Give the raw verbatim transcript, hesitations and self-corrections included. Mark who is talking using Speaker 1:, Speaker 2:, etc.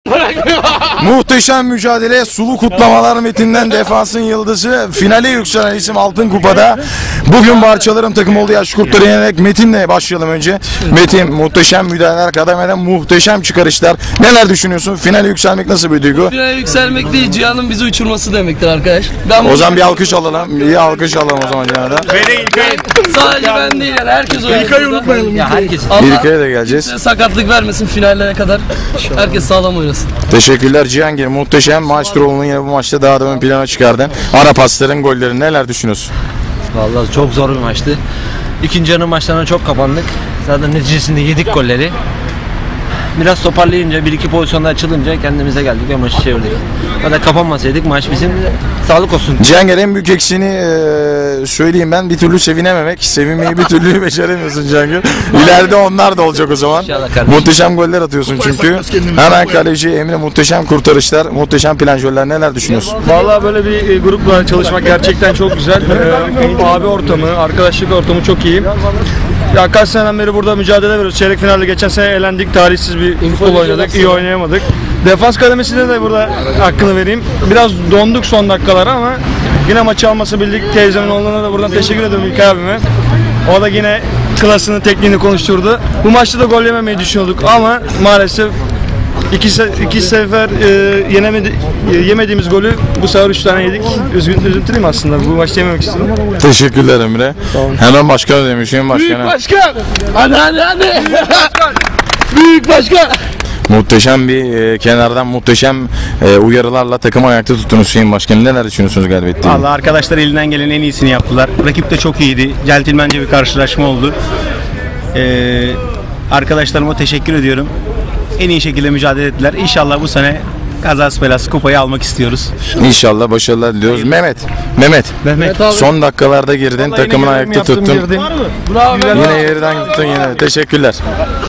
Speaker 1: Muhteşem mücadele, sulu kutlamalar Metin'den defansın yıldızı, finale yükselen isim Altın Kupa'da. Bugün Barçalarım takımı olduğu yaş kurtları yenerek Metin'le başlayalım önce. Metin, muhteşem müdahaleler, kademeden muhteşem çıkarışlar. Neler düşünüyorsun? Finale yükselmek nasıl bir duygu?
Speaker 2: Finale yükselmek değil, Cihan'ın bizi uçurması demektir arkadaş. Ben
Speaker 1: O zaman bir alkış alalım. Bir alkış alalım o zaman Cihan'a da.
Speaker 2: sadece ben değil yani herkes oynuyor.
Speaker 3: İlkay'ı unutmayalım.
Speaker 2: Ya herkes.
Speaker 1: İlkay'a da geleceğiz.
Speaker 2: Sakatlık vermesin finallere kadar. Herkes sağlam oynasın.
Speaker 1: Teşekkürler Cihangir. Muhteşem maestro'nun yine bu maçta daha da ön plana çıkardın. Ara pasların, gollerin neler düşünüyorsun?
Speaker 4: Vallahi çok zor bir maçtı. İkinci yarı maçlarına çok kapandık. Zaten neticesinde yedik golleri. Biraz toparlayınca, bir iki pozisyonda açılınca kendimize geldik ve maçı çevirdik. Zaten kapanmasaydık maç bizim, sağlık olsun.
Speaker 1: Cihangir, en büyük eksiğini e, söyleyeyim ben, bir türlü sevinememek. Sevinmeyi bir türlü beceremiyorsun Cihangir. İleride onlar da olacak o zaman.
Speaker 4: İnşallah kardeşim.
Speaker 1: Muhteşem goller atıyorsun çünkü. Hemen kaleci Emre, muhteşem kurtarışlar, muhteşem planjörler, neler düşünüyorsun?
Speaker 3: Vallahi böyle bir e, grupla çalışmak gerçekten çok güzel. Ee, abi ortamı, arkadaşlık ortamı çok iyi. Ya kaç seneden beri burada mücadele veriyoruz. Çeyrek finalde geçen sene elendik. Talihsiz bir futbol oynadık. İyi oynayamadık. Defans kademesinde de burada hakkını vereyim. Biraz donduk son dakikalara ama yine maçı alması bildik. Teyzemin oğluna da buradan teşekkür ediyorum İlkay abime. O da yine klasını, tekniğini konuşturdu. Bu maçta da gol yememeyi düşünüyorduk ama maalesef iki, se- iki sefer e, yenemedi, e, yemediğimiz golü bu sefer üç tane yedik. Üzgün, üzüntülüyüm aslında. Bu maçta yememek istedim.
Speaker 1: Teşekkürler Emre. Hemen başkanı demişim başkana.
Speaker 2: Başkan! Hadi hadi hadi! Büyük başkan!
Speaker 1: Muhteşem bir e, kenardan muhteşem e, uyarılarla takımı ayakta tuttunuz Hüseyin Başkanım. Neler düşünüyorsunuz galibiyetle?
Speaker 5: Vallahi arkadaşlar elinden gelen en iyisini yaptılar. Rakip de çok iyiydi. Centilmence bir karşılaşma oldu. Ee, arkadaşlarıma teşekkür ediyorum. En iyi şekilde mücadele ettiler. İnşallah bu sene kazası belası kupayı almak istiyoruz.
Speaker 1: İnşallah başarılar diliyoruz. Mehmet, Mehmet.
Speaker 2: Mehmet abi.
Speaker 1: Son dakikalarda girdin, takımını ayakta tuttun.
Speaker 2: Bravo.
Speaker 1: Yine yerden tuttun yine. Teşekkürler.